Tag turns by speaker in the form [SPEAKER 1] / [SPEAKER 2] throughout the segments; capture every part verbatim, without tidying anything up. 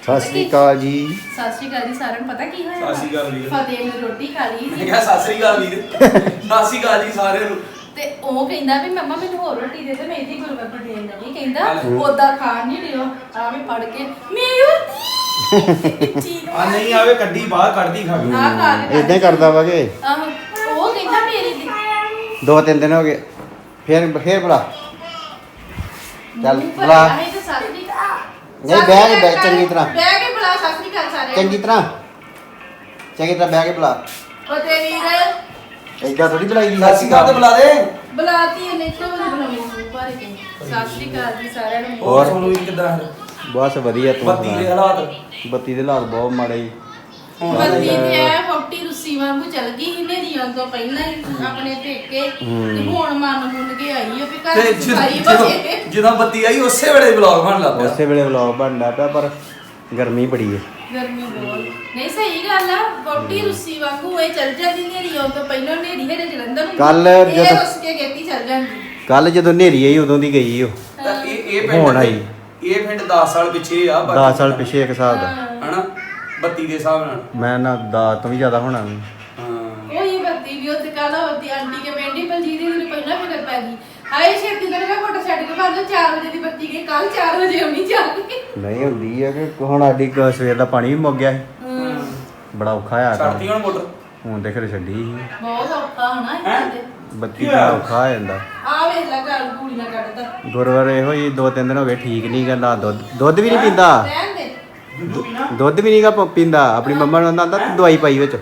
[SPEAKER 1] ਸਤਿ ਸ਼੍ਰੀ ਅਕਾਲ ਜੀ।
[SPEAKER 2] ਸਤਿ ਸ਼੍ਰੀ ਅਕਾਲ ਜੀ ਸਾਰਿਆਂ ਨੂੰ। ਪਤਾ ਕੀ ਹੋਇਆ?
[SPEAKER 3] ਸਤਿ ਸ਼੍ਰੀ ਅਕਾਲ ਵੀਰ।
[SPEAKER 2] ਫਤਿਹ ਨੇ ਰੋਟੀ ਖਾ ਲਈ
[SPEAKER 3] ਮੈਂ ਕਿਹਾ ਸਤਿ ਸ਼੍ਰੀ ਅਕਾਲ ਵੀਰ। ਸਤਿ ਸ਼੍ਰੀ ਅਕਾਲ ਜੀ ਸਾਰਿਆਂ ਨੂੰ।
[SPEAKER 2] ਤੇ ਉਹ ਕਹਿੰਦਾ ਵੀ ਮੰਮਾ ਮੈਨੂੰ ਹੋਰ ਰੋਟੀ ਦੇ ਦੇ, ਮੈਂ ਇਹਦੀ ਗੁਰਬਖਸ਼ ਦੇਣ ਲੱਗੀ। ਕਹਿੰਦਾ ਉਦਾਂ ਖਾਣ ਨਹੀਂ ਦਿਓ, ਆ ਵੀ ਫੜ ਕੇ ਮੇਰੀ ਰੋਟੀ ਠੀਕ
[SPEAKER 3] ਆ ਨਹੀਂ ਆਵੇ ਕੱਢੀ ਬਾਹਰ ਕੱਢਦੀ ਖਾ ਗਈ।
[SPEAKER 2] ਆ ਖਾ ਕੇ
[SPEAKER 1] ਇਦਾਂ ਹੀ ਕਰਦਾ ਵਾ ਕਿ
[SPEAKER 2] ਆਹੋ, ਉਹ ਕਹਿੰਦਾ ਮੇਰੀ ਦੀ
[SPEAKER 1] ਦੋ ਤਿੰਨ ਦਿਨ ਹੋ ਗਏ। ਫੇਰ ਫੇਰ ਬੁਲਾ ਚੱਲ
[SPEAKER 2] ਮੂੰਹ
[SPEAKER 1] ਬੁਲਾ।
[SPEAKER 2] ਭਰਿਆ ਸੀ ਤੇ ਸਤਿ ਸ਼੍ਰੀ ਅਕਾਲ।
[SPEAKER 1] ਨਹੀਂ, ਬਹਿ ਕੇ ਬਹਿ ਚੰਗੀ ਤਰ੍ਹਾਂ।
[SPEAKER 2] ਬਹਿ ਕੇ ਬੁਲਾ, ਸਤਿ ਸ਼੍ਰੀ ਅਕਾਲ ਸਾਰਿਆਂ ਨੂੰ।
[SPEAKER 1] ਚੰਗੀ ਤਰ੍ਹਾਂ ਚੰਗੀ ਤਰ੍ਹਾਂ ਬਹਿ ਕੇ ਬੁਲਾ।
[SPEAKER 2] ਫਤਿਹ ਵੀਰ
[SPEAKER 1] ਏਦਾਂ ਥੋੜੀ ਬੁਲਾਈ ਦੀ।
[SPEAKER 3] ਸਤਿ ਸ਼੍ਰੀ ਅਕਾਲ ਤੇ ਬੁਲਾ ਦੇ।
[SPEAKER 2] ਬੁਲਾਤੀ ਇਹਨੇ ਤੋਂ ਬੁਲਾਉਣੀ ਮੂੰਹ ਭਰ ਕੇ। ਸਤਿ ਸ਼੍ਰੀ ਅਕਾਲ ਜੀ ਸਾਰਿਆਂ ਨੂੰ।
[SPEAKER 3] ਹੋਰ ਸੋਨੂੰ ਵੀਰ ਕਿੱਦਾਂ?
[SPEAKER 1] ਬਸ ਵਧੀਆ। ਤੂੰ
[SPEAKER 3] ਬੱਤੀ ਦੇ
[SPEAKER 1] ਸੁਣਾ।
[SPEAKER 3] ਹਾਲਾਤ
[SPEAKER 1] ਬੱਤੀ ਦੇ ਹਾਲਾਤ ਬਹੁਤ ਮਾੜੇ ਜੀ।
[SPEAKER 2] ਬੱਤੀ ਤੇ ਐ ਫੌਟੀ ਰੁੱਸੀ ਵਾਂਗੂ ਚੱਲ ਗਈ ਸੀ ਨੇਰੀ ਆਉਣ ਤੋਂ ਪਹਿਲਾਂ ਹੀ ਆਪਣੇ ਪੇਕੇ। ਤੇ ਹੁਣ ਮਨ ਮੁੰਨ ਕੇ ਆਈ ਆ ਵੀ ਘਰ
[SPEAKER 3] ਤੇ
[SPEAKER 2] ਚ ਸਾਰੀ
[SPEAKER 3] ਜਦੋਂ
[SPEAKER 2] ਬਚੇ।
[SPEAKER 3] ਜਦੋਂ ਬੱਤੀ ਆਈ ਉਸੇ ਵੇਲੇ ਵਲੌਗ ਬਣ ਲੱਗ ਪਿਆ।
[SPEAKER 1] ਉਸੇ ਵੇਲੇ ਵਲੌਗ ਬਣਦਾ ਪਿਆ, ਪਰ ਗਰਮੀ ਬੜੀ ਹੈ।
[SPEAKER 2] ਗਰਮੀ ਬਹੁਤ। ਨਹੀਂ ਸਹੀ ਗੱਲ ਆ, ਫੌਟੀ ਰੁੱਸੀ ਵਾਂਗੂ ਇਹ ਚੱਲ ਜਾਂਦੀ ਨੇਰੀ ਆਉਣ ਤੋਂ ਪਹਿਲਾਂ ਨੇਰੀ ਹੇਰੇ ਜਲੰਧਰ ਨੂੰ।
[SPEAKER 1] ਕੱਲ੍ਹ
[SPEAKER 2] ਇਹ
[SPEAKER 1] ਜਦੋਂ-
[SPEAKER 2] ਰੁੱਸ ਕੇ ਗੇਤੀ ਚੱਲ ਜਾਂਦੀ।
[SPEAKER 1] ਕੱਲ ਜਦੋਂ ਹਨੇਰੀ ਆਈ ਉਦੋਂ ਦੀ ਗਈ ਉਹ।
[SPEAKER 3] ਤਾਂ ਇਹ ਇਹ
[SPEAKER 1] ਹੁਣ
[SPEAKER 3] ਪਿੰਡ
[SPEAKER 1] ਆਈ।
[SPEAKER 3] ਇਹ ਪਿੰਡ ਦਸ ਸਾਲ ਪਿੱਛੇ ਆ ਬਾਕੀ
[SPEAKER 1] ਦਸ ਸਾਲ ਪਿੱਛੇ ਇੱਕ ਹਿਸਾਬ ਦਾ।
[SPEAKER 3] ਹਨਾ ਬੱਤੀ ਦੇ ਹਿਸਾਬ ਨਾਲ।
[SPEAKER 1] ਮੈਂ ਨਾ ਦਸ ਤੋਂ ਵੀ ਜ਼ਿਆਦਾ ਹੋਣਾ ਵੀ।
[SPEAKER 3] ਹਾਂ
[SPEAKER 2] ਉਹੀ ਬੱਤੀ ਵੀ ਉੱਥੇ ਕੱਲ ਹੋਤੀ ਆਂਟੀ ਕੇ ਪਿੰਡ ਹੀ ਬਲਜੀਤ ਦੀ ਨੂੰ ਪਹਿਲਾਂ ਫਿਕਰ ਪੈ ਗਈ। ਹਾਏ ਛੇਤੀ ਨਾਲ ਮੈਂ ਫੋਟੋ ਛੱਡ ਕੇ ਬਾਅਦ ਚਾਰ ਵਜੇ ਦੀ ਬੱਤੀ ਗਈ, ਕੱਲ ਚਾਰ ਵਜੇ ਆਉਣੀ ਚੱਲ ਗਈ।
[SPEAKER 1] ਨਹੀਂ ਹੁੰਦੀ ਹੈ ਕਿ ਹੁਣ ਸਾਡੀ ਕ- ਸਵੇਰ ਦਾ ਪਾਣੀ ਵੀ ਮੁੱਕ ਗਿਆ ਸੀ। ਬੜਾ ਔਖਾ ਆ
[SPEAKER 3] ਛੱਡਤੀ ਹੁਣ ਮੋਟਰ।
[SPEAKER 1] ਹੁਣ ਤੇ ਫਿਰ ਛੱਡੀ ਸੀ।
[SPEAKER 2] ਬਹੁਤ ਔਖਾ ਹੋਣਾ ਇਹਨਾਂ ਦੇ।
[SPEAKER 1] ਬੱਤੀ ਦਾ ਔਖਾ ਹੋ ਜਾਂਦਾ।
[SPEAKER 2] ਆ ਵੇਖ ਲੈ ਗੱਲ ਗੂੜੀ ਨਾ ਕੱਢਦਾ।
[SPEAKER 1] ਗੁਰਵਾਰ ਇਹੋ ਹੀ ਦੋ ਤਿੰਨ ਦਿਨ ਹੋ ਗਏ ਠੀਕ ਨਹੀਂ ਗਾ। ਨਾ ਦੁੱਧ ਦੁੱਧ ਵੀ ਨਹੀਂ ਪੀਂਦਾ।
[SPEAKER 2] ਰਹਿਣ ਦੇ।
[SPEAKER 3] ਦੁੱਧੂ ਵੀ ਨਾ
[SPEAKER 1] ਦੁੱਧ ਵੀ ਨਹੀਂਗਾ ਪੀਂਦਾ। ਆਪਣੀ ਮੰਮਾ ਨੂੰ ਆਂਦਾ ਦਵਾਈ ਪਾਈ ਵਿੱਚ।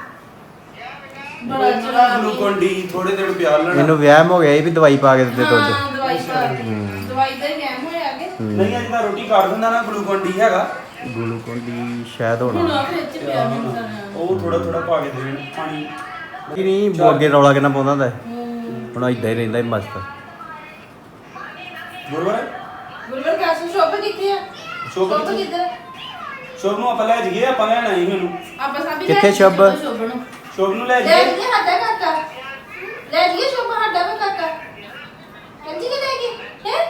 [SPEAKER 2] ਬੜਾ
[SPEAKER 3] ਜਿਹੜਾ ਗਲੂਕੋਨ ਡੀ ਥੋੜੇ ਦਿਨ ਪਿਆਰ ਲੈਣਾ।
[SPEAKER 1] ਮੈਨੂੰ ਵਹਿਮ ਹੋ ਗਿਆ ਸੀ ਵੀ ਦਵਾਈ ਪਾ ਕੇ ਦਿੱਤੇ ਦੁੱਧ।
[SPEAKER 2] ਹਾਂ, ਦਵਾਈ ਪਾ ਕੇ। ਦਵਾਈ ਦਾ ਹੀ ਗੈਮ ਹੋਇਆ ਕਿ
[SPEAKER 3] ਨਹੀਂ ਅੱਜ ਤਾਂ ਰੋਟੀ ਕੱਢ ਦਿੰਦਾ ਨਾ ਗਲੂਕੋਨ ਡੀ ਹੈਗਾ।
[SPEAKER 1] ਗਲੂਕੋਨ ਦੀ ਸ਼ਾਇਦ
[SPEAKER 2] ਹੁਣ
[SPEAKER 1] ਹੋਣਾ।
[SPEAKER 2] ਆ ਵਿੱਚ ਪਿਆ ਮੈਨੂੰ ਸਾਰਾ।
[SPEAKER 3] ਉਹ ਥੋੜਾ ਥੋੜਾ ਪਾ ਕੇ ਦੇਣ ਪਾਣੀ।
[SPEAKER 1] ਕਿ ਨਹੀਂ ਉਹ ਅੱਗੇ ਰੌਲਾ ਕਿੰਨਾ ਪਾਉਂਦਾ ਹੁੰਦਾ ਸੀ। ਹੁਣ ਇਦਾਂ ਹੀ ਰਹਿੰਦਾ ਸੀ ਮਸਤ।
[SPEAKER 3] ਗੁਰਵਰ
[SPEAKER 2] ਗੁਰਵਰ ਕਾਸੂ ਸ਼ੋਪ ਕਿੱਥੇ ਆ?
[SPEAKER 3] ਸ਼ੋਭ
[SPEAKER 2] ਸ਼ੋਪ
[SPEAKER 3] ਕਿੱਥੇ?
[SPEAKER 2] ਕਿੱਧਰ?
[SPEAKER 3] ਸ਼ੋਭ ਨੂੰ ਆਪਾਂ ਲੈ ਜਾਈਏ। ਆਪਾਂ ਲੈਣਾ ਹੀ ਉਹਨੂੰ।
[SPEAKER 2] ਆਪਾਂ ਸਾਬੀ
[SPEAKER 1] ਕਿੱਥੇ ਸ਼ੋਭ?
[SPEAKER 2] ਸ਼ੋਭ ਨੂੰ
[SPEAKER 3] ਸ਼ੋਭ ਨੂੰ ਲੈ
[SPEAKER 2] ਲੈ
[SPEAKER 3] ਜਾਈਏ।
[SPEAKER 2] ਜੀ ਸਾਡਾ ਕਾਕਾ। ਲੈ ਜੀ ਸ਼ੋਭ ਸਾਡਾ ਵਾ ਕਾਕਾ। ਕੰਜੀ ਕਿ ਲੈ ਗਏ ਹੈ?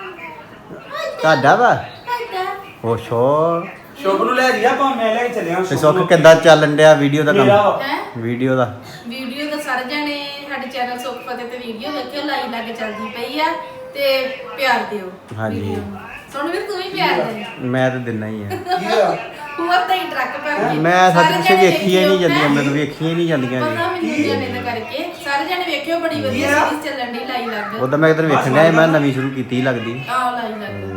[SPEAKER 1] ਤੁਹਾਡਾ ਵਾ
[SPEAKER 2] ਸਾਡਾ।
[SPEAKER 1] ਉਹ ਸ਼ੋ
[SPEAKER 3] ਸ਼ੋਭ ਨੂੰ ਲੈ ਜਾਈਏ ਆਪਾਂ। ਮੈਂ ਲੈ ਕੇ ਚੱਲਿਆ
[SPEAKER 1] ਤੇ ਸੁੱਖ ਕਿੱਦਾਂ ਚੱਲਣ ਡਿਆ ਵੀਡੀਓ ਦਾ
[SPEAKER 3] ਮੇਰਾ
[SPEAKER 1] ਕੰਮ।
[SPEAKER 3] ਵਾ।
[SPEAKER 2] ਹੈ
[SPEAKER 1] ਵੀਡੀਓ ਦਾ
[SPEAKER 2] ਵੀਡੀਓ ਦਾ ਸਾਰੇ ਜਾਣੇ ਸਾਡੇ ਚੈਨਲ ਸੁੱਖ ਫਤਿਹ ਤੇ ਵੀਡੀਓ ਵੇਖਿਓ, ਲਾਈਨ ਲਾ ਕੇ ਚੱਲਦੀ ਪਈ ਆ ਤੇ ਪਿਆਰ ਦਿਓ।
[SPEAKER 1] ਹਾਂਜੀ।
[SPEAKER 2] ਵੀਡੀਓ ਨੂੰ। ਸੁਣ ਵੀਰ ਤੂੰ ਵੀ ਪਿਆਰ ਦੇ।
[SPEAKER 1] ਮੈਂ ਤਾਂ ਦਿੰਦਾ ਹੀ ਆ।
[SPEAKER 3] ਕੀ ਆ?
[SPEAKER 2] ਹੋਰ ਤਾਂ ਹੀ ਟਰੱਕ ਭਰ ਕੇ
[SPEAKER 1] ਮੈਂ
[SPEAKER 2] ਸਾਰੇ
[SPEAKER 1] ਸੱਚ
[SPEAKER 2] ਜਾਣੇ
[SPEAKER 1] ਵੇਖੀਆਂ ਹੀ ਨਹੀਂ
[SPEAKER 2] ਵੇਖਿਓ,
[SPEAKER 1] ਜਾਂਦੀਆਂ।
[SPEAKER 2] ਹੈਂ?
[SPEAKER 1] ਮੈਨੂੰ ਵੇਖੀਆਂ ਹੀ ਨਹੀਂ ਜਾਂਦੀਆਂ
[SPEAKER 2] ਪਤਾ
[SPEAKER 1] ਜੀ।
[SPEAKER 2] ਮੈਨੂੰ ਜਾਣੇ ਦਾ ਕਰਕੇ ਸਾਰੇ ਜਾਣੇ ਵੇਖਿਓ, ਬੜੀ ਵਧੀਆ
[SPEAKER 3] Yeah.
[SPEAKER 2] ਸੀਰੀਜ਼ ਚੱਲਣ ਦੀ ਲਾਈ ਲੱਗ।
[SPEAKER 1] ਉਦੋਂ ਮੈਂ ਕਿਧਰ ਵੇਖਣ ਡਿਆ ਸੀ, ਮੈਂ ਨਵੀਂ ਸ਼ੁਰੂ ਕੀਤੀ ਲੱਗਦੀ।
[SPEAKER 2] ਆਹ ਲਾਈ ਲੱਗ।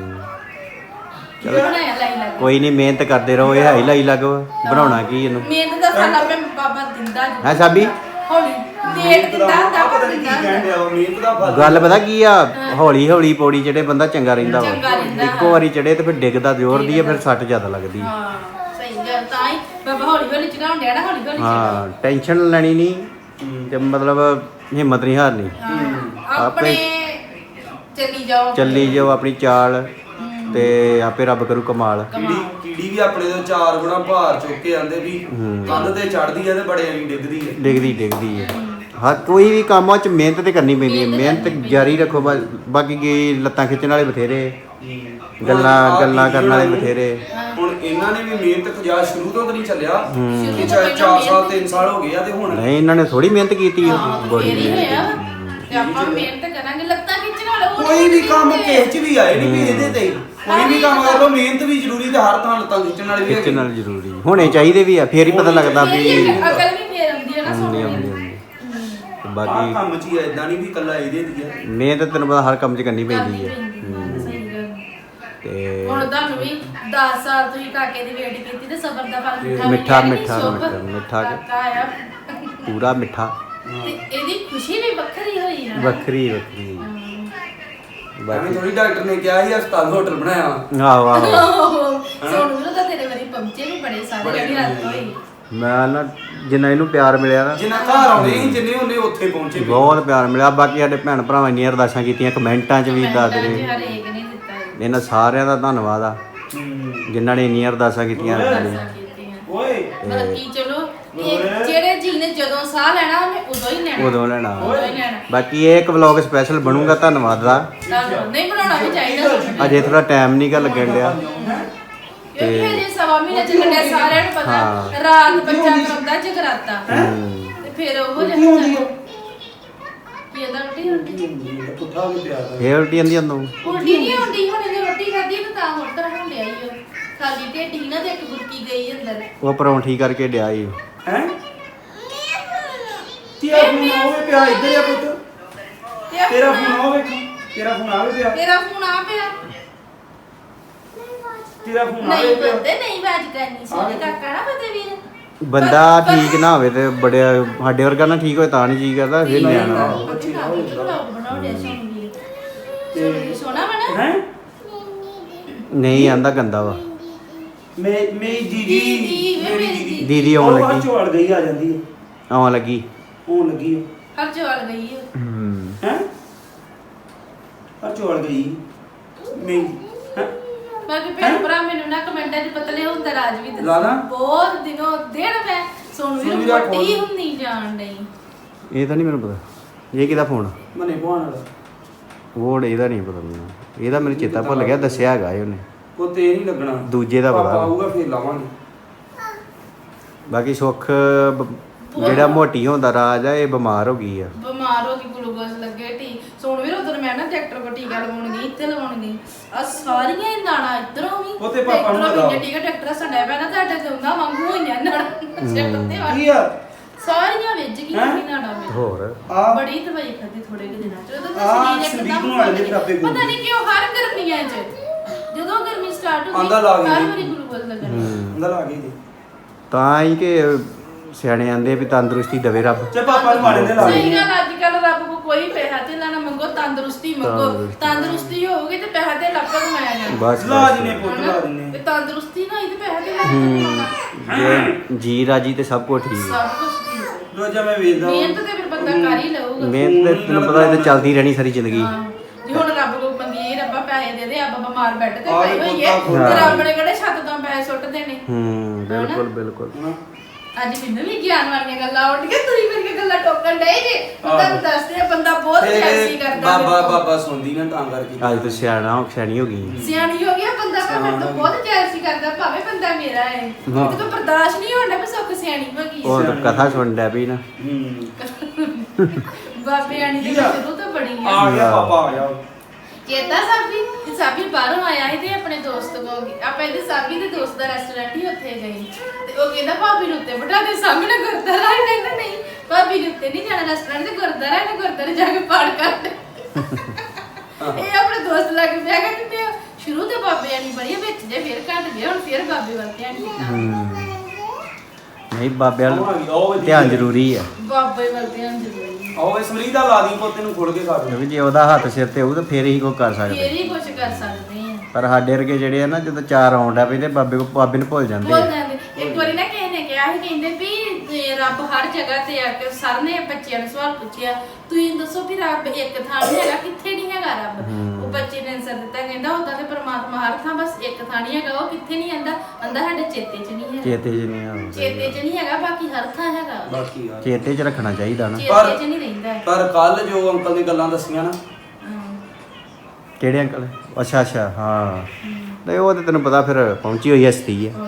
[SPEAKER 1] ਚਲੋ
[SPEAKER 2] ਬਣਾਇਆ ਲਾਈ ਲੱਗ।
[SPEAKER 1] ਕੋਈ ਨਹੀਂ, ਮਿਹਨਤ ਕਰਦੇ ਰਹੋ। ਇਹ ਹਾਈ ਲਾਈ ਲੱਗ ਬਣਾਉਣਾ ਕੀ ਇਹਨੂੰ।
[SPEAKER 2] ਮਿਹਨਤ ਦਾ ਫਲ ਆਪੇ ਬਾਬਾ ਦਿੰਦਾ ਜੀ।
[SPEAKER 1] ਹੈ ਸਾਬੀ
[SPEAKER 2] ਹੌਲੀ ਲੇਟ ਦਿੰਦਾ ਹੁੰਦਾ
[SPEAKER 3] ਪਤਾ
[SPEAKER 2] ਪਰ
[SPEAKER 3] ਨਹੀਂ ਕੀ
[SPEAKER 2] ਦਿੰਦਾ
[SPEAKER 3] ਕਹਿਣ ਡਿਆ ਉਹ ਮਿਹਨਤ ਦਾ ਫਲ।
[SPEAKER 1] ਗੱਲ ਪਤਾ ਕੀ ਆ, ਹੌਲੀ ਹੌਲੀ ਪੌੜੀ ਚੜੇ ਬੰਦਾ ਚੰਗਾ ਰਹਿੰਦਾ
[SPEAKER 2] ਚੰਗਾ
[SPEAKER 1] ਵਾ।
[SPEAKER 2] ਰਹਿੰਦਾ,
[SPEAKER 1] ਇੱਕੋ ਵਾਰੀ ਚੜੇ ਤੇ ਫਿਰ ਡਿੱਗਦਾ ਜ਼ੋਰ ਦੀ ਆ, ਫਿਰ ਸੱਟ ਜ਼ਿਆਦਾ ਲੱਗਦੀ।
[SPEAKER 2] ਹਾਂ ਸਹੀ ਗੱਲ। ਤਾਂ ਹੀ ਬਾਬਾ ਹੌਲੀ ਹੌਲੀ ਚੜਾਉਣ ਡਿਆ ਨਾ, ਹੌਲੀ ਹੌਲੀ
[SPEAKER 1] ਹਾਂ, ਟੈਨਸ਼ਨ ਲੈਣੀ ਨਹੀਂ ਤੇ ਮਤਲਬ ਹਿੰਮਤ ਨਹੀਂ ਹਾਰਨੀ।
[SPEAKER 2] ਚੜਾਓ। ਆਪਣੇ ਚੱਲੀ ਜਾਓ।
[SPEAKER 1] ਚੱਲੀ ਜਾਓ ਆਪਣੀ ਚਾਲ ਤੇ ਆਪੇ ਰੱਬ ਕਰੂ ਕਮਾਲ।
[SPEAKER 3] ਕੀੜੀ ਕੀੜੀ ਵੀ ਆਪਣੇ ਤੋਂ ਚਾਰ ਗੁਣਾ ਭਾਰ ਚੁੱਕ ਕੇ ਆਂਦੇ ਵੀ ਕੰਧ ਤੇ ਚੜਦੀ ਆ ਤੇ ਬੜੇ ਨਹੀਂ ਡਿੱਗਦੀ ਆ।
[SPEAKER 1] ਡਿੱਗਦੀ ਡਿੱਗਦੀ ਹੈ। ਹਾਂ, ਕੋਈ ਵੀ ਕੰਮ ਆ ਚ ਮਿਹਨਤ ਤੇ ਕਰਨੀ ਪੈਂਦੀ ਹੈ। ਮਿਹਨਤ ਜਾਰੀ ਰੱਖੋ। ਬਸ ਬਾਕੀ ਕੀ ਲੱਤਾਂ ਖਿੱਚਣ ਵਾਲੇ ਬਥੇਰੇ, ਗੱਲਾਂ ਗੱਲਾਂ ਕਰਨ ਵਾਲੇ ਬਥੇਰੇ।
[SPEAKER 3] ਹੁਣ ਇਹਨਾਂ ਨੇ ਵੀ ਮਿਹਨਤ ਖਜਾ ਸ਼ੁਰੂ ਤੋਂ ਤਾਂ ਨਹੀਂ ਚੱਲਿਆ।
[SPEAKER 2] ਸ਼ੁਰੂ
[SPEAKER 3] ਕਿ
[SPEAKER 2] ਤੋਂ
[SPEAKER 3] ਚਾਰ
[SPEAKER 2] ਪਹਿਲਾਂ
[SPEAKER 3] ਸਾਲ ਤਿੰਨ ਸਾਲ ਹੋ ਗਏ ਆ ਤੇ ਹੁਣ
[SPEAKER 1] ਨਹੀਂ, ਇਹਨਾਂ ਨੇ ਥੋੜੀ ਮਿਹਨਤ ਕੀਤੀ ਹੈ।
[SPEAKER 2] ਹਾਂ,
[SPEAKER 1] ਬੜੀ
[SPEAKER 2] ਫੇਰ ਹੀ
[SPEAKER 1] ਮਿਹਨਤ
[SPEAKER 2] ਹੋਇਆ।
[SPEAKER 1] ਕੀਤੀ।
[SPEAKER 2] ਤੇ ਆਪਾਂ ਮਿਹਨਤ ਕਰਾਂਗੇ, ਲੱਤਾਂ ਖਿੱਚਣ ਵਾਲਾ ਉਹ
[SPEAKER 3] ਕੋਈ ਵੀ
[SPEAKER 2] ਨਹੀਂ
[SPEAKER 3] ਕੰਮ
[SPEAKER 2] ਹੁੰਦੇ।
[SPEAKER 3] ਕਿਸੇ ਚ ਵੀ ਆਏ ਨਹੀਂ ਵੀ ਇਹਦੇ ਤੇ ਕੋਈ ਵੀ ਕੰਮ ਕਰ ਲਓ, ਮਿਹਨਤ ਵੀ ਜ਼ਰੂਰੀ ਤੇ ਹਰ ਥਾਂ ਲੱਤਾਂ ਖਿੱਚਣ ਵਾਲੀ ਵੀ
[SPEAKER 1] ਖਿੱਚਣ
[SPEAKER 3] ਹੈਗੀ।
[SPEAKER 1] ਨਾਲ ਜ਼ਰੂਰੀ ਹੋਣੇ ਚਾਹੀਦੇ ਵੀ ਆ, ਫੇਰ ਹੀ ਪਤਾ ਲੱਗਦਾ
[SPEAKER 2] ਫੇਰ
[SPEAKER 1] ਵੀ
[SPEAKER 2] ਹੀ ਅਕਲ ਵੀ ਫੇਰ ਆਉਂਦੀ ਹੈ ਨਾ
[SPEAKER 1] ਹੁੰਦੀ
[SPEAKER 2] ਸੋਹਣੀ।
[SPEAKER 1] ਹੁੰਦੀ ਹੁੰਦੀ। ਤੇ
[SPEAKER 3] ਆਹ
[SPEAKER 1] ਬਾਕੀ
[SPEAKER 3] ਕੰਮ ਚ ਹੀ ਆ, ਏਦਾਂ ਨਹੀਂ ਵੀ ਇਕੱਲਾ ਇਹਦੇ ਦੀ ਆ।
[SPEAKER 1] ਮਿਹਨਤ ਤੈਨੂੰ ਪਤਾ ਹਰ ਕੰਮ 'ਚ ਕਰਨੀ ਪੈਂਦੀ ਹੈ।
[SPEAKER 2] ਸਹੀ ਗੱਲ।
[SPEAKER 1] ਤੇ
[SPEAKER 2] ਹੁਣ ਤੁਹਾਨੂੰ ਵੀ ਦਸ ਸਾਲ ਤੁਸੀਂ ਕਾਕੇ ਦੀ ਵੇਟ ਕੀਤੀ ਤੇ ਸਬਰ ਦਾ ਫਲ ਮਿੱਠਾ
[SPEAKER 1] ਮਿੱਠਾ
[SPEAKER 2] ਮਿਲਿਆ ਨੀ,
[SPEAKER 1] ਮਿੱਠਾ
[SPEAKER 2] ਸ਼ੁਭ।
[SPEAKER 1] ਮਿੱਠਾ ਮਿੱਠਾ
[SPEAKER 2] ਕਾਕਾ ਆਇਆ
[SPEAKER 1] ਪੂਰਾ ਮਿੱਠਾ।
[SPEAKER 2] ਤੇ ਇਹਦੀ ਖੁਸ਼ੀ ਵੀ ਵੱਖਰੀ ਹੋਈ ਨਾ।
[SPEAKER 1] ਵੱਖਰੀ ਵੱਖਰੀ।
[SPEAKER 3] ਐਵੇਂ
[SPEAKER 1] ਬਾਕੀ
[SPEAKER 3] ਥੋੜੀ ਡਾਕਟਰ ਨੇ ਕਿਹਾ ਸੀ ਹਸਪਤਾਲ ਹੋਟਲ ਬਣਾਇਆ ਵਾ।
[SPEAKER 1] ਆਹੋ ਆਹੋ।
[SPEAKER 2] ਸੋਨੂੰ ਨੂੰ ਤਾਂ ਤੇਰੇ ਵਾਰੀ ਪਹੁੰਚੇ ਵੀ ਬੜੇ ਸਾਰੇ ਜਿਹੜੀ ਰਾਤ ਹੋਈ।
[SPEAKER 1] ਮੈਂ ਨਾ ਜਿੰਨਾ ਇਹਨੂੰ ਪਿਆਰ ਮਿਲਿਆ ਨਾ,
[SPEAKER 3] ਜਿੰਨਾ ਘਰ ਆਉਣੇ ਸੀ ਜਿੰਨੇ ਉਹਨੇ ਉੱਥੇ ਪਹੁੰਚੇ ਵੀ।
[SPEAKER 1] ਬਹੁਤ ਪਿਆਰ ਮਿਲਿਆ। ਬਾਕੀ ਸਾਡੇ ਭੈਣ ਭਰਾਵਾਂ ਇੰਨੀਆਂ ਅਰਦਾਸਾਂ ਕੀਤੀਆਂ, ਕਮੈਂਟਾਂ 'ਚ ਵੀ ਦੱਸਦੇ
[SPEAKER 2] ਜੀ
[SPEAKER 1] ਨੇ।
[SPEAKER 2] ਹਰੇਕ ਨੇ ਦਿੱਤਾ ਹੈ।
[SPEAKER 1] ਇਹਨਾਂ ਸਾਰਿਆਂ ਦਾ ਧੰਨਵਾਦ ਆ ਜਿਨ੍ਹਾਂ ਨੇ ਇੰਨੀਆਂ ਅਰਦਾਸਾਂ ਕੀਤੀਆਂ।
[SPEAKER 2] ਅਰਦਾਸਾਂ ਕੀਤੀਆਂ।
[SPEAKER 3] ਓਏ
[SPEAKER 2] ਮਤਲਬ ਕੀ ਚਲੋ ਇਹ ਜਿਹੜੇ ਜੀ ਨੇ ਜਦੋਂ ਸਾਹ ਲੈਣਾ ਉਹਨੇ ਉਦੋਂ ਹੀ ਲੈਣਾ।
[SPEAKER 1] ਉਦੋਂ ਲੈਣਾ।
[SPEAKER 2] ਉਦੋਂ ਹੀ ਲੈਣਾ।
[SPEAKER 1] ਬਾਕੀ ਇਹ ਇੱਕ ਵਲੌਗ ਸਪੈਸ਼ਲ ਬਣੂਗਾ ਧੰਨਵਾਦ ਦਾ।
[SPEAKER 2] ਤੁਹਾਨੂੰ ਨਹੀਂ ਬਣਾਉਣਾ ਵੀ ਚਾਹੀਦਾ ਸਾਨੂੰ।
[SPEAKER 1] ਅਜੇ ਥੋੜਾ ਟਾਈਮ ਨਹੀਂ ਗਾ ਲੱਗਣ ਡਿਆ।
[SPEAKER 2] ਕਿਉਂਕਿ ਹਜੇ ਸਵਾ ਮਹੀਨਾ ਚੱਲਣ ਡਿਆ, ਸਾਰਿਆਂ ਨੂੰ ਪਤਾ ਰਾਤ ਬੱਚਾ ਕਰਾਉਂਦਾ ਜਗਰਾਤਾ ਤੇ ਫਿਰ ਉਹ ਜਾਂਦਾ ਕੀ ਇਹਦਾ ਰੋਟੀ ਰੋਟੀ
[SPEAKER 3] ਪੁੱਠਾ ਵੀ ਪਿਆ ਦਾ
[SPEAKER 1] ਇਹ ਉਲਟੀ ਆਂਦੀ ਅੰਦੋਂ
[SPEAKER 2] ਉਲਟੀ ਨਹੀਂ ਹੁੰਦੀ, ਹੁਣ ਇਹਨੇ ਰੋਟੀ ਖਾਧੀ ਤੇ ਤਾਂ ਹੋਰ ਤਰ੍ਹਾਂ ਹੋਣ ਡਿਆ ਈ ਉਹ ਖਾਲੀ ਢੇਡੀ ਨਾ ਤੇ ਇੱਕ ਬੁਰਕੀ ਗਈ ਅੰਦਰ।
[SPEAKER 1] ਉਹ ਪਰੌਂਠੀ ਕਰਕੇ ਡਿਆ ਈ
[SPEAKER 3] ਹੈ ਤੇਰਾ ਫੋਨ ਆਵੇ ਪਿਆ ਇੱਧਰ ਆ ਪੁੱਤ, ਤੇਰਾ ਫੋਨ ਆਵੇ ਤੇਰਾ ਫੋਨ ਆਵੇ ਪਿਆ
[SPEAKER 2] ਤੇਰਾ ਫੋਨ ਆ ਪਿਆ
[SPEAKER 3] ਤੇਰਾ ਫੋਨ
[SPEAKER 2] ਨਹੀਂ
[SPEAKER 3] ਆਵੇ ਪਿਆ
[SPEAKER 2] ਬੰਦੇ ਨਹੀਂ ਬਾਜ ਕਰਨੀ ਸੋਨੇ ਕਾਕਾ ਨਾ ਪਤੇ ਵੀਰ
[SPEAKER 1] ਬੰਦਾ ਠੀਕ ਨਾ ਹੋਵੇ ਤੇ ਬੜੇ ਸਾਡੇ ਵਰਗਾ ਨਾ ਠੀਕ ਹੋਏ ਤਾਂ ਨਹੀਂ ਜੀ ਕਰਦਾ ਫਿਰ ਨਿਆਣਾ
[SPEAKER 2] ਤੇ ਸੋਨਾ ਬਣਾ
[SPEAKER 3] ਹੈ
[SPEAKER 1] ਨਹੀਂ ਆਂਦਾ ਗੰਦਾ ਵਾ
[SPEAKER 3] ਮੈਂ ਮੇਰੀ ਦੀਦੀ
[SPEAKER 2] ਦੀਦੀ, ਵੇ
[SPEAKER 3] ਮੇਰੀ
[SPEAKER 2] ਮੇਰੀ
[SPEAKER 3] ਦੀਦੀ
[SPEAKER 1] ਦੀਦੀ ਆਉਣ ਲੱਗੀ
[SPEAKER 3] ਚੋਲ ਗਈ ਆ ਜਾਂਦੀ ਹੈ
[SPEAKER 1] ਆਉਣ ਲੱਗੀ
[SPEAKER 3] ਆਉਣ ਲੱਗੀ
[SPEAKER 2] ਹਰ ਜਵਾਲ ਗਈ
[SPEAKER 1] ਹੂੰ
[SPEAKER 3] ਹੈ ਆ ਚੋਲ ਗਈ ਮੈਂ ਹੈ
[SPEAKER 2] ਬਾਕੀ ਭੈਣ ਭਰਾ ਮੈਨੂੰ ਨਾ ਕਮੈਂਟਾਂ 'ਚ ਪਤਲੇ ਹੁੰਦਾ ਰਾਜ ਵੀ
[SPEAKER 3] ਲਾ ਲਾ।
[SPEAKER 2] ਬਹੁਤ ਦਿਨੋਂ ਦਿਨ ਮੈਂ ਸੋਨੂੰ ਵੀ
[SPEAKER 3] ਸੋਨੂੰ ਦਾ
[SPEAKER 2] ਮੋਟੀ
[SPEAKER 3] ਫੋਨ।
[SPEAKER 2] ਹੁੰਦੀ ਜਾਣ ਡਈ
[SPEAKER 1] ਇਹ ਤਾਂ ਨਹੀਂ ਮੈਨੂੰ ਪਤਾ ਇਹ ਕਿਹਦਾ ਫੋਨ
[SPEAKER 3] ਮਨੇ ਭਾਣ ਵਾਲਾ
[SPEAKER 1] ਉਹ ਇਹਦਾ ਨਹੀਂ ਪਤਾ ਮੈਨੂੰ ਇਹਦਾ ਮੈਨੂੰ ਚੇਤਾ ਭੁੱਲ ਗਿਆ ਦੱਸਿਆ ਹੈਗਾ ਇਹ ਉਹਨੇ
[SPEAKER 3] ਕੋ ਤੇ ਨਹੀਂ ਲੱਗਣਾ
[SPEAKER 1] ਦੂਜੇ ਦਾ ਪਤਾ।
[SPEAKER 3] ਪਾਪਾ ਆਊਗਾ ਫਿਰ ਲਾਵਾਂਗੇ
[SPEAKER 1] ਬਾਕੀ ਸੁੱਖ ਬ- ਜਿਹੜਾ ਮੋਟੀ ਹੁੰਦਾ ਰਾਜ ਆ ਇਹ ਬਿਮਾਰ ਹੋ ਗਈ ਆ
[SPEAKER 2] ਬਿਮਾਰ ਹੋ ਗਈ ਗਲੂਕੋਜ਼ ਲੱਗੇ ਟੀ ਸੋਨੂੰ ਵੀ ਉਧਰ ਮੈਂ ਨਾ ਡਾਕਟਰ ਕੋ ਟੀਕਾ ਲਵਾਉਣ ਗਈ ਇੱਥੇ ਲਵਾਉਣ ਗਈ ਆ ਸਾਰੀਆਂ ਹੀ ਨਾੜਾਂ ਇਧਰੋਂ ਵੀ
[SPEAKER 3] ਉਹ ਤੇ ਪਾਪਾ ਨੂੰ
[SPEAKER 2] ਇੱਧਰੋਂ ਵੀ
[SPEAKER 3] ਲਗਾਓ।
[SPEAKER 2] ਟੀਕਾ ਡਾਕਟਰ ਸੰਡਾ ਪਿਆ ਨਾ ਤੁਹਾਡੇ ਤੇ ਉਹਨਾਂ ਵਾਂਗੂ ਹੋਈਆਂ ਨਾੜਾਂ ਸਿਰ ਤੇ
[SPEAKER 3] ਕੀ
[SPEAKER 2] ਵਾਲੀ
[SPEAKER 3] ਆ
[SPEAKER 2] ਸਾਰੀਆਂ ਵਿੱਚ ਗਈਆਂ
[SPEAKER 3] ਹੈਂ?
[SPEAKER 2] ਵੀ ਨਾੜਾਂ ਵਿੱਚ
[SPEAKER 1] ਹੋਰ
[SPEAKER 3] ਆ
[SPEAKER 2] ਬੜੀ ਦਵਾਈ ਖਾਦੀ ਥੋੜੇ ਕੁ ਦਿਨਾਂ ਚ ਉਦੋਂ
[SPEAKER 3] ਆਹ
[SPEAKER 2] ਤਾਂ ਸਰੀਰ
[SPEAKER 3] ਸੰਦੀਪ
[SPEAKER 2] ਇੱਕਦਮ
[SPEAKER 3] ਨੂੰ ਆਲੇ ਦੇ ਖਰਾਬੇ
[SPEAKER 2] ਪਤਾ ਨਹੀਂ ਕਿਉਂ ਹਰ ਗਰਮੀਆਂ ਚ ਜਦੋਂ ਗਰਮੀ ਸਟਾਰਟ ਹੁੰਦੀ
[SPEAKER 3] ਆਂਦਾ ਲਾ ਗਈ।
[SPEAKER 2] ਹਰ ਵਾਰੀ ਗਲੂਕੋਜ਼ ਲੱਗਣਾ
[SPEAKER 1] ਹੂੰ
[SPEAKER 3] ਅੰਦਰ ਆ ਗਈ ਜੀ
[SPEAKER 1] ਤਾਂ ਹੀ ਕਿ ਸਿਆਣੇ ਆਂਦੇ ਵੀ ਤੰਦਰੁਸਤੀ ਦੇਵੇ ਰੱਬ
[SPEAKER 3] ਤੇ ਪਾਪਾ ਨੂੰ ਮਾੜੇ ਦੇ ਲਾ
[SPEAKER 2] ਸਹੀ
[SPEAKER 3] ਗਈ
[SPEAKER 2] ਗੱਲ ਅੱਜ ਕੱਲ ਰੱਬ ਕੋ ਕੋਈ ਪੈਸਾ ਤੇ ਨਾ ਮੰਗੋ ਤੰਦਰੁਸਤੀ ਮੰਗੋ
[SPEAKER 1] ਤੰਦਰੁਸਤੀ।
[SPEAKER 2] ਤੰਦਰੁਸਤੀ ਹੋਊਗੀ ਤੇ ਪੈਸਾ ਤੇ ਲੱਭ ਕੇ ਕਮਾਇਆ ਜਾਣਾ
[SPEAKER 1] ਬਸ
[SPEAKER 3] ਲਾ
[SPEAKER 1] ਬਸ।
[SPEAKER 3] ਦਿਨੇ ਪੁੱਤ ਲਾ ਦਿਨੇ
[SPEAKER 2] ਤੇ ਤੰਦਰੁਸਤੀ ਨਾ ਇਹ ਤੇ ਪੈਸਾ ਤੇ ਲੱਭ ਕੇ ਕਮਾਉਣਾ
[SPEAKER 1] ਜੇ ਜੀ ਰਾਜੀ ਤੇ ਸਭ ਕੁਝ ਠੀਕ ਹੈ
[SPEAKER 2] ਸਭ ਕੁਝ ਠੀਕ ਹੈ।
[SPEAKER 3] ਰੋਜ਼ਾ ਮੈਂ ਵੇਚਦਾ
[SPEAKER 2] ਮਿਹਨਤ ਤੇ ਫਿਰ ਬੰਦਾ ਕਰ ਹੀ ਲਊਗਾ
[SPEAKER 1] ਮਿਹਨਤ ਤੇ ਤੈਨੂੰ ਪਤਾ ਇਹ ਤਾਂ ਚੱਲਦੀ ਰਹਿਣੀ ਸਾਰੀ ਜ਼ਿੰਦਗੀ
[SPEAKER 2] ਹਾਂ। ਜੇ ਹੁਣ ਰੱਬ ਕੋ ਮੰਗੀਏ ਰੱਬਾ ਪੈਸੇ ਦੇ ਦੇ ਆਪਾਂ ਬਿਮਾਰ ਬੈੱਡ ਤੇ
[SPEAKER 3] ਆਹ
[SPEAKER 2] ਪਏ ਹੋਈਏ
[SPEAKER 3] ਪੁੱਤਾਂ
[SPEAKER 2] ਤੇ
[SPEAKER 1] ਹਾਂ।
[SPEAKER 2] ਰੱਬ ਨੇ ਕਿਹੜੇ ਛੱਤ ਤੋਂ ਪੈਸੇ ਸੁੱਟ ਦੇਣੇ
[SPEAKER 1] ਹੂੰ ਬਿਲਕੁਲ ਬਿਲਕੁਲ
[SPEAKER 3] ਹਾਂ।
[SPEAKER 2] ਅੱਜ ਮੈਨੂੰ ਵੀ ਗਿਆਨ ਵਾਲੀਆਂ ਗੱਲਾਂ ਉੱਠ ਕੇ ਤੁਸੀਂ ਮੇਰੀਆਂ ਗੱਲਾਂ ਟੋਕਣ ਡਏ ਜੇ ਮੈਂ ਤੁਹਾਨੂੰ ਦੱਸਦੇ ਆ ਬੰਦਾ ਬਹੁਤ ਜੈਸੀ
[SPEAKER 3] ਤੇ
[SPEAKER 2] ਕਰਦਾ
[SPEAKER 3] ਬਾਬਾ
[SPEAKER 2] ਮੇਰੇ ਕੋਲ।
[SPEAKER 3] ਬਾਬਾ ਸੁਣਦੀ ਨਾ ਤਾਂ ਕਰਕੇ
[SPEAKER 1] ਅੱਜ ਤੂੰ ਸਿਆਣਾ ਹੋ ਸਿਆਣੀ ਹੋ ਗਈ
[SPEAKER 2] ਸਿਆਣੀ ਹੋ ਗਿਆ ਬੰਦਾ ਪਰ ਮੈਨੂੰ ਤਾਂ ਬਹੁਤ ਜੈਸੀ ਕਰਦਾ ਭਾਵੇਂ ਬੰਦਾ ਮੇਰਾ ਹੈ
[SPEAKER 1] ਹਾਂ।
[SPEAKER 2] ਤੇ ਤੋਂ ਬਰਦਾਸ਼ਤ ਨਹੀਂ ਹੋਣਾ ਵੀ ਸੁੱਖ ਸਿਆਣੀ ਹੋ ਗਈ
[SPEAKER 1] ਉਹ ਤਾਂ ਕਥਾ ਸੁਣ ਡੈ ਪਈ ਨਾ
[SPEAKER 3] ਹੂੰ
[SPEAKER 2] ਬਾਬੇ ਆਣੀ ਦੀ
[SPEAKER 3] ਕੀ ਆ?
[SPEAKER 2] ਸ਼ੁਰੂ ਤੋਂ ਬੜੀ
[SPEAKER 3] ਆ
[SPEAKER 2] ਆ
[SPEAKER 3] ਗਿਆ ਪਾਪਾ ਆ ਗਿਆ
[SPEAKER 2] ਚੇਤਾ ਸਾਬੀ ਤੇ ਸਾਬੀ ਬਾਹਰੋਂ ਆਇਆ ਸੀ ਤੇ ਆਪਣੇ ਦੋਸਤ ਕੋਲ ਗਿਆ। ਆਪਾਂ ਇਹਦੇ ਸਾਬੀ ਦੇ ਦੋਸਤ ਦਾ ਰੈਸਟੋਰੈਂਟ ਹੀ ਉੱਥੇ ਗਏ ਤੇ ਉਹ ਕਹਿੰਦਾ ਭਾਬੀ ਨੂੰ ਉੱਤੇ ਬਿਠਾ ਦੇ ਸਾਹਮਣੇ ਗੁਰਦੁਆਰਾ ਹੈ ਕਹਿੰਦਾ ਨਹੀਂ ਭਾਬੀ ਨੂੰ ਉੱਤੇ ਨਹੀਂ ਜਾਣਾ ਰੈਸਟੋਰੈਂਟ ਤੇ ਗੁਰਦੁਆਰਾ ਹੈ ਗੁਰਦੁਆਰੇ ਜਾ ਕੇ ਪਾਠ ਕਰਦੇ ਇਹ ਆਪਣੇ ਦੋਸਤ ਲੱਗ ਪਿਆ ਕਿ ਮੈਂ ਸ਼ੁਰੂ ਤੇ ਬਾਬੇ ਆਣੀ ਬੜੀ ਆ, ਵਿੱਚ ਜੇ ਫਿਰ ਘਟ ਗਿਆ ਹੁਣ ਫਿਰ ਬਾਬੇ ਵੱਲ ਧਿਆਨ ਕੀਤਾ
[SPEAKER 1] ਹੂੰ ਨਹੀਂ ਬਾਬੇ
[SPEAKER 3] ਉਹ ਆ
[SPEAKER 1] ਵੱਲ
[SPEAKER 3] ਗਈ, ਉਹ ਵੇਖੀ
[SPEAKER 1] ਧਿਆਨ ਜ਼ਰੂਰੀ ਆ
[SPEAKER 2] ਬਾਬੇ ਵੱਲ ਧਿਆਨ ਜ਼ਰੂਰੀ
[SPEAKER 3] ਆਓ ਇਸ ਮਰੀਜ਼ ਦਾ ਲਾ ਦੀ ਪੋਤੇ ਨੂੰ ਖੋਲ ਕੇ ਖਾ ਦੇ
[SPEAKER 1] ਕਿਉਂਕਿ ਜੇ ਉਹਦਾ ਹੱਥ ਸਿਰ ਤੇ ਹੋਊ ਤਾਂ ਫੇਰ ਹੀ ਕੋਈ ਕਰ
[SPEAKER 2] ਫੇਰ
[SPEAKER 1] ਸਕਦੇ
[SPEAKER 2] ਹੀ ਕੁਝ ਕਰ ਸਕਦੇ ਆ
[SPEAKER 1] ਪਰ ਸਾਡੇ ਵਰਗੇ ਜਿਹੜੇ ਆ ਨਾ ਜਦੋਂ ਚਾਰ ਆਉਂਦਾ ਪੈਂਦੇ ਬਾਬੇ ਕੋ ਬਾਬੇ ਨੂੰ ਭੁੱਲ ਜਾਂਦੇ
[SPEAKER 2] ਬੋਲ
[SPEAKER 1] ਆ।
[SPEAKER 2] ਜਾਂਦੇ ਇੱਕ ਵਾਰੀ ਨਾ ਕਿਸੇ ਨੇ ਕਿਹਾ ਸੀ ਕਹਿੰਦੇ ਵੀ ਤੇ ਰੱਬ ਹਰ ਜਗ੍ਹਾ ਤੇ ਆ ਕੇ ਸਰ ਨੇ ਬੱਚਿਆਂ ਨੂੰ ਸਵਾਲ ਪੁੱਛਿਆ ਤੁਸੀਂ ਦੱਸੋ ਵੀ ਰੱਬ ਇੱਕ ਥਾਂ ਨਹੀਂ ਹੈਗਾ ਕਿੱਥੇ ਨਹੀਂ ਹੈਗਾ ਰੱਬ ਉਹ ਬੱਚੇ ਨੇ answer ਦਿੱਤਾ ਕਹਿੰਦਾ ਉਦਾਂ ਤੇ ਪ੍ਰਮਾਤਮਾ ਹਰ ਥਾਂ ਬਸ ਇੱਕ ਥਾਂ ਨਹੀਂ ਹੈਗਾ ਉਹ ਕਿੱਥੇ ਨਹੀਂ ਆਂਦਾ ਆਂਦਾ ਸਾਡੇ ਚੇਤੇ 'ਚ ਨਹੀਂ ਹੈਗਾ
[SPEAKER 1] ਚੇਤੇ 'ਚ ਨਹੀਂ ਆਉਂਦਾ
[SPEAKER 2] ਚੇਤੇ 'ਚ ਨਹੀਂ ਹੈਗਾ ਬਾਕੀ ਹਰ ਥਾਂ ਹੈਗਾ
[SPEAKER 3] ਬਾਕੀ ਯਾਰ
[SPEAKER 1] ਚੇਤੇ 'ਚ ਰੱਖਣਾ ਚਾਹੀਦਾ ਨਾ
[SPEAKER 2] ਚੇਤੇ 'ਚ ਨਹੀਂ ਰਹਿੰਦਾ ਹੈ।
[SPEAKER 3] ਪਰ ਕੱਲ ਜੋ ਅੰਕਲ ਦੀ ਗੱਲਾਂ ਦੱਸੀਆਂ ਨਾ
[SPEAKER 2] ਹਾਂ।
[SPEAKER 1] ਕਿਹੜੇ ਅੰਕਲ ਅੱਛਾ ਅੱਛਾ ਹਾਂ ਨਹੀਂ ਉਹ ਤੇ ਤੈਨੂੰ ਪਤਾ ਫਿਰ ਪਹੁੰਚੀ ਹੋਈ ਹਸਤੀ ਹੈ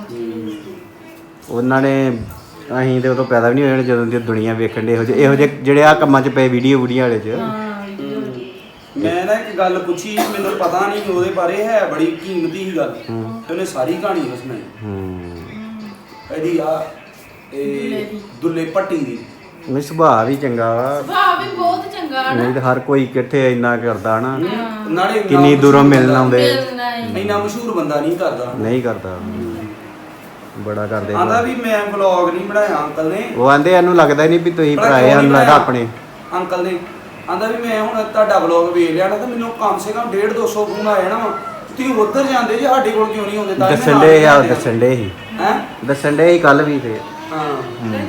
[SPEAKER 1] ਉਹਨਾਂ ਨੇ ਅਸੀਂ ਤੇ ਉਦੋਂ ਪੈਦਾ ਵੀ ਨਹੀਂ ਹੋਏ ਜਦੋਂ ਦੀ ਦੁਨੀਆ ਵੇਖਣ ਦੇ ਇਹੋ ਜਿਹੇ ਇਹੋ ਜਿਹੇ ਜਿਹੜੇ ਆ ਕੰਮਾਂ 'ਚ ਪਏ ਵੀਡੀਓ ਵੀਡੀਓ ਵਾਲੇ 'ਚ
[SPEAKER 2] ਹਾਂ ਵੀਡੀਓ
[SPEAKER 3] ਮੈਂ ਨਾ ਇੱਕ ਗੱਲ ਪੁੱਛੀ ਮੈਨੂੰ ਪਤਾ ਨਹੀਂ ਉਹਦੇ ਬਾਰੇ ਹੈ ਬੜੀ ਕੀਮਤੀ ਹੀ ਗੱਲ ਤੇ ਉਹਨੇ ਸਾਰੀ ਕਹਾਣੀ ਉਸ ਸੁਣਾਈ
[SPEAKER 1] ਹੂੰ
[SPEAKER 3] ਇਹਦੀ ਆ ਇਹ ਦੁੱਲੇ ਪੱਟੀ ਦੀ
[SPEAKER 1] ਨਹੀਂ ਸੁਭਾਅ ਵੀ ਚੰਗਾ ਵਾ
[SPEAKER 2] ਸੁਭਾਅ ਵੀ ਬਹੁਤ ਚੰਗਾ ਹੈ
[SPEAKER 1] ਨਹੀਂ ਤਾਂ ਹਰ ਕੋਈ ਕਿੱਥੇ ਇੰਨਾ ਕਰਦਾ ਨਾ
[SPEAKER 3] ਨਾਲੇ ਇੰਨਾ
[SPEAKER 1] ਕਿੰਨੀ ਦੂਰੋਂ
[SPEAKER 3] ਮਸ਼ਹੂਰ
[SPEAKER 1] ਮਿਲਣ
[SPEAKER 3] ਬੰਦਾ-
[SPEAKER 1] ਆਉਂਦੇ
[SPEAKER 2] ਮਿਲਣਾ ਹੀ
[SPEAKER 3] ਇੰਨਾ ਮਸ਼ਹੂਰ ਬੰਦਾ ਨਹੀਂ ਕਰਦਾ
[SPEAKER 1] ਨਹੀਂ ਕਰਦਾ ਬੜਾ ਕਰਦੇ
[SPEAKER 3] ਆਂਦਾ ਵੀ ਮੈਂ ਵਲੌਗ ਨਹੀਂ ਬਣਾਇਆ ਅੰਕਲ ਨੇ
[SPEAKER 1] ਉਹ ਆਂਦੇ ਇਹਨੂੰ ਲੱਗਦਾ ਹੀ ਨਹੀਂ ਵੀ ਤੁਸੀਂ
[SPEAKER 3] ਬੜਾ
[SPEAKER 1] ਭਰਾਏ
[SPEAKER 3] ਕਿਉਂ
[SPEAKER 1] ਹਨ
[SPEAKER 3] ਨਹੀਂ
[SPEAKER 1] ਲੱਗਦਾ
[SPEAKER 3] ਬਣਾਇਆ?
[SPEAKER 1] ਆਪਣੇ
[SPEAKER 3] ਅੰਕਲ ਨੇ ਆਂਦਾ ਵੀ ਮੈਂ ਹੁਣ ਤੁਹਾਡਾ ਵਲੌਗ ਵੇਖ ਲਿਆ ਨਾ ਤੇ ਮੈਨੂੰ ਕਮ ਸੇ ਕਮ ਡੇਢ ਦੋ ਸੌ ਫੋਨ ਆ ਜਾਣਾ ਵਾ ਤੁਸੀਂ ਉੱਧਰ ਜਾਂਦੇ ਜੇ ਸਾਡੇ ਕੋਲ ਕਿਉਂ ਨਹੀਂ ਆਉਂਦੇ ਤਾਂ
[SPEAKER 1] ਦੱਸਣ ਦੇ ਆ ਦੱਸਣ ਦੇ ਹੀ
[SPEAKER 3] ਹੈ
[SPEAKER 1] ਦੱਸਣ ਦੇ ਹੀ ਕੱਲ ਵੀ ਤੇ
[SPEAKER 3] ਹਾਂ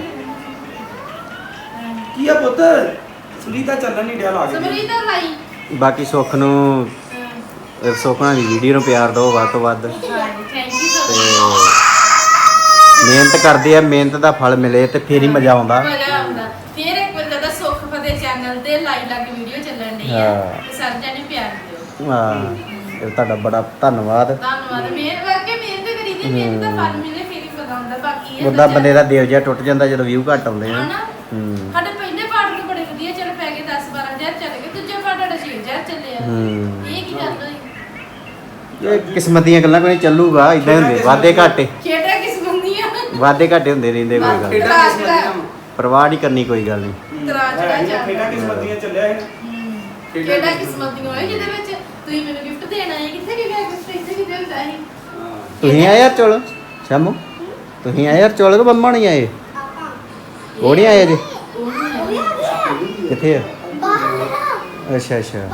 [SPEAKER 3] ਕੀ ਆ ਪੁੱਤ ਸੁਨੀਤਾ ਚੱਲਣ ਨਹੀਂ ਡਿਆ ਲਾ ਕੇ
[SPEAKER 2] ਸਮਰੀ ਤਾਂ ਲਾਈ
[SPEAKER 1] ਬਾਕੀ ਸੁੱਖ ਨੂੰ ਇਹ ਸੁੱਖ ਨਾਲ ਦੀ ਵੀਡੀਓ ਨੂੰ ਪਿਆਰ ਦਿਓ ਵੱਧ ਤੋਂ ਵੱਧ
[SPEAKER 2] ਹਾਂ ਥੈਂਕ ਯੂ ਸੋ
[SPEAKER 1] ਤੇ ਮਿਹਨਤ ਕਰਦੇ ਆ ਮਿਹਨਤ ਦਾ ਫਲ ਮਿਲੇ ਤੇ ਫੇਰ ਹੀ ਮਜ਼ਾ ਆਉਂਦਾ
[SPEAKER 2] ਮਜ਼ਾ ਆਉਂਦਾ ਫਿਰ ਇੱਕ ਵਾਰ ਜਦੋਂ ਸੁੱਖ ਫਤਿਹ ਚੈਨਲ ਤੇ ਲਾਈਵ ਲੱਗ ਵੀਡੀਓ ਚੱਲਣ ਡਈ ਆ
[SPEAKER 1] ਹਾਂ।
[SPEAKER 2] ਤੇ ਸਾਰਿਆਂ ਨੇ ਪਿਆਰ ਦਿਓ
[SPEAKER 1] ਹਾਂ ਇਹ ਤੁਹਾਡਾ ਬੜਾ ਧੰਨਵਾਦ
[SPEAKER 2] ਧੰਨਵਾਦ ਮਿਹਨਤ ਕਰਕੇ ਮਿਹਨਤ ਕਰੀ ਦੀ ਮਿਹਨਤ ਦਾ ਫਲ ਮਿਲੇ ਫਿਰ ਹੀ ਪਤਾ ਹੁੰਦਾ ਬਾਕੀ ਇਹ
[SPEAKER 1] ਉਹਦਾ ਬੰਦੇ ਦਾ ਦਿਲ ਜਿਹਾ ਟੁੱਟ ਜਾਂਦਾ ਜਦੋਂ ਵਿਊ ਘੱਟ ਆਉਂਦੇ ਆ
[SPEAKER 2] ਹਨਾ
[SPEAKER 1] ਹੂੰ
[SPEAKER 2] ਸਾਡੇ ਪਹਿਲੇ ਪਾਠ ਨੂੰ ਬੜੇ ਵਧੀਆ ਚੱਲ ਪੈ ਗਏ ਦਸ ਬਾਰਾਂ ਹਜ਼ਾਰ ਚੱਲ ਗਏ ਦੂਜੇ ਪਾਠ ਸਾਡਾ ਛੇ ਹਜ਼ਾਰ ਚੱਲਿਆ
[SPEAKER 1] ਹੂੰ
[SPEAKER 2] ਇਹ ਕੀ ਗੱਲ ਹੋਈ
[SPEAKER 1] ਇਹ ਕਿਸਮਤ ਦੀਆਂ ਗੱਲਾਂ ਕੋਈ ਨਹੀਂ ਚੱਲੂਗਾ ਇਦਾਂ ਹੁੰਦੇ ਵਾਦੇ ਘਾਟੇ
[SPEAKER 2] ਖੇਡਾਂ ਕਿਸਮਤ ਦੀਆਂ
[SPEAKER 1] ਵਾਦੇ ਘਾਟੇ ਹੁੰਦੇ ਰਹਿੰਦੇ ਕੋਈ ਗੱਲ ਨੀ।
[SPEAKER 3] ਖੇਡਾਂ ਕਿਸਮਤ ਦੀਆਂ ਵਾਂ।
[SPEAKER 1] ਪਰਵਾਹ ਨਹੀਂ ਕਰਨੀ ਕੋਈ ਗੱਲ ਨਹੀਂ
[SPEAKER 2] ਤਰਾਜ ਦਾ
[SPEAKER 3] ਹੈ ਨੀ,
[SPEAKER 2] ਚੱਲ
[SPEAKER 3] ਖੇਡਾਂ ਕਿਸਮਤ ਦੀਆਂ ਚੱਲਿਆ ਸੀ ਨਾ। ਖੇਡਾਂ
[SPEAKER 2] ਖੇਡਾਂ ਕਿਸਮਤ ਦੀਆਂ ਹੋਏ ਜਿਹਦੇ ਵਿੱਚ ਤੁਸੀਂ ਮੈਨੂੰ ਗਿਫਟ ਦੇਣਾ ਹੈ ਕਿੱਥੇ ਕਿ ਗਿਆ ਗਿਫਟ ਇੱਥੇ ਕਿ ਦਿੰਦਾ ਸੀ
[SPEAKER 3] ਹਾਂ।
[SPEAKER 1] ਤੁਸੀਂ ਆਏ ਯਾਰ ਚੋਲ ਸ਼ਾਮੂ ਤੁਸੀਂ ਆਏ ਯਾਰ ਚੋਲ ਕਿ ਮੰਮਾ ਨਹੀਂ ਆਏ ਉਹ ਨਹੀਂ ਆਏ ਜੀ
[SPEAKER 2] ਉਹ ਨਹੀਂ ਆਇਆ।
[SPEAKER 1] ਕਿੱਥੇ ਆ ਅੱਛਾ ਅੱਛਾ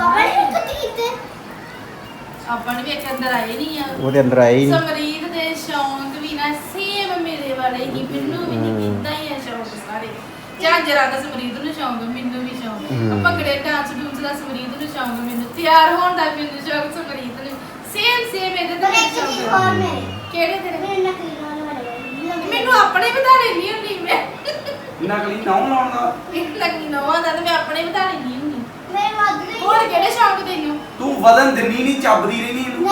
[SPEAKER 2] ਆਪਾਂ ਨੇ ਵੀ ਇੱਕ ਅੰਦਰ ਆਏ ਨਹੀਂ ਆ
[SPEAKER 1] ਉਹਦੇ ਅੰਦਰ ਆਏ ਹੀ ਨਹੀਂ
[SPEAKER 2] ਸਮਰੀਤ ਦੇ ਸ਼ੌਂਕ ਵੀ ਨਾ ਸੇਮ ਮੇਰੇ ਵਾਲੇ ਹੀ ਮੈਨੂੰ ਵੀ ਨਹੀਂ ਇਦਾਂ ਹੀ ਆ ਸ਼ੌਂਕ ਸਾਰੇ ਝਾਂਜਰਾ ਦਾ ਸਮਰੀਤ ਨੂੰ ਸ਼ੌਂਕ ਮੈਨੂੰ ਵੀ ਸ਼ੌਂਕ
[SPEAKER 1] ਹਮ।
[SPEAKER 2] ਭੰਗੜੇ ਡਾਂਸ ਡੂੰਸ ਦਾ ਸਮਰੀਤ ਨੂੰ ਸ਼ੌਂਕ ਮੈਨੂੰ ਤਿਆਰ ਹੋਣ ਦਾ ਮੈਨੂੰ ਸ਼ੌਂਕ ਸਮਰੀਤ ਨੂੰ ਸੇਮ ਸੇਮ ਇਹਦੇ ਤਾਂ ਮੈਨੂੰ ਸ਼ੌਂਕ ਕਿਹੜੇ ਤੇਰੇ ਮੈਨੂੰ ਆਪਣੇ ਵਧਾ ਲੈਣੀ ਹੁੰਦੀ ਮੈਂ
[SPEAKER 3] ਨਕਲੀ ਨਾਮ ਲਾਉਣ ਦਾ
[SPEAKER 2] ਮੈਨੂੰ ਲੱਗੀ ਨਵਾਂ ਦਾ ਤੇ ਮੈਂ ਆਪਣੇ ਵਧਾ ਲੈਣੀ ਹੁੰਦੀ ਹੋਰ ਕਿਹੜੇ ਸ਼ੌਂਕ ਤੈਨੂੰ
[SPEAKER 3] ਤੂੰ ਵਦਨ ਦਿੰਨੀ ਨਹੀਂ ਚੱਬਦੀ ਰਹਿਨੀ ਇਹਨੂੰ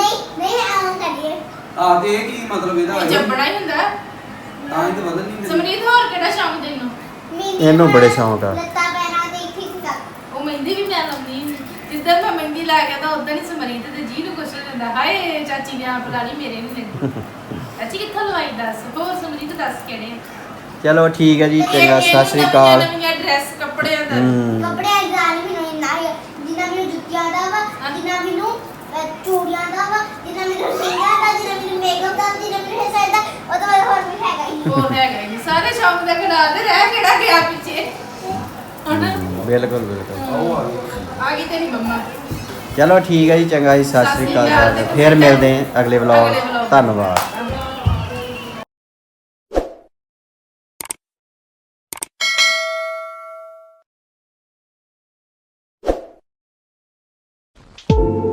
[SPEAKER 3] ਆ ਤੇ ਇਹ ਕੀ ਮਤਲਬ ਇਹਦਾ
[SPEAKER 2] ਇਹ ਜੰਬੜਾ ਹੀ ਹੁੰਦਾ
[SPEAKER 3] ਤਾਂ ਹੀ ਤਾਂ ਵਦਨ ਨਹੀਂ ਦਿੰਦੀ
[SPEAKER 2] ਸਮਰੀਤ ਹੋਰ ਕਿਹੜਾ ਸ਼ੌਂਕ ਤੈਨੂੰ
[SPEAKER 1] ਇਹਨੂੰ ਬੜੇ ਸ਼ੌਂਕ ਆ
[SPEAKER 2] ਉਹ ਮਹਿੰਦੀ ਵੀ ਮੈਂ ਲਾਉਂਦੀ ਹੁੰਦੀ ਜਿਸ ਦਿਨ ਮੈਂ ਮਹਿੰਦੀ ਲਾ ਕੇ ਤਾਂ ਉਦੋਂ ਹੀ ਸਮਰੀਤ ਤੇ ਜੀ ਨੂੰ ਕੁਛ ਹੋ ਜਾਂਦਾ ਹਾਏ ਚਾਚੀ ਨੇ ਆਪ ਲਾ ਲਈ ਮੇਰੇ ਨਹੀਂ ਲੈਂਦੀ ਚਾਚੀ ਕਿੱਥੋਂ ਲਵਾਈ ਦੱਸ ਹੋਰ ਸਮਰੀਤ ਦੱਸ ਕਿਹੜੇ ਆ?
[SPEAKER 1] ਚਲੋ ਠੀਕ ਹੈ ਜੀ ਚੰਗਾ
[SPEAKER 2] ਇਹ- ਇਹ
[SPEAKER 1] ਸਤਿ ਸ੍ਰੀ ਅਕਾਲ
[SPEAKER 2] ਨਵੀਆਂ ਡਰੈਸ ਕੱਪੜਿਆਂ ਦਾ
[SPEAKER 1] ਹੂੰ
[SPEAKER 4] ਚੂੜੀਆਂ ਦਾ ਵਾ ਜਿੰਨਾ ਮੈਨੂੰ ਸਿੰਘਾਂ ਦਾ ਜਿੰਨਾ ਮੈਨੂੰ ਮੇਕਅਪ ਦਾ ਜਿੰਨਾ ਮੈਨੂੰ ਹੇਅਰ ਸਟਾਈਲ ਦਾ ਉਹ ਤਾਂ ਹੋਰ ਵੀ ਹੈਗਾ ਹੀ
[SPEAKER 2] ਉਹ ਹੈਗਾ ਜੀ ਸਾਰੇ ਸ਼ੌਂਕ ਦਾ ਗਣਾ ਦੇ ਰਹਿ ਕਿਹੜਾ ਗਿਆ ਪਿੱਛੇ ਹਨਾ
[SPEAKER 1] ਬਿਲਕੁਲ ਬਿਲਕੁਲ
[SPEAKER 3] ਉਹ ਆ ਗਈ
[SPEAKER 2] ਆ ਗਈ ਤੇਰੀ ਮੰਮਾ
[SPEAKER 1] ਚਲੋ ਠੀਕ ਹੈ ਜੀ ਚੰਗਾ ਜੀ ਸਤਿ ਸ੍ਰੀ ਅਕਾਲ ਫਿਰ ਮਿਲਦੇ ਹਾਂ ਅਗਲੇ ਵਲੌਗ
[SPEAKER 2] ਅਗਲੇ vlog।
[SPEAKER 1] ਧੰਨਵਾਦ
[SPEAKER 2] Thank you.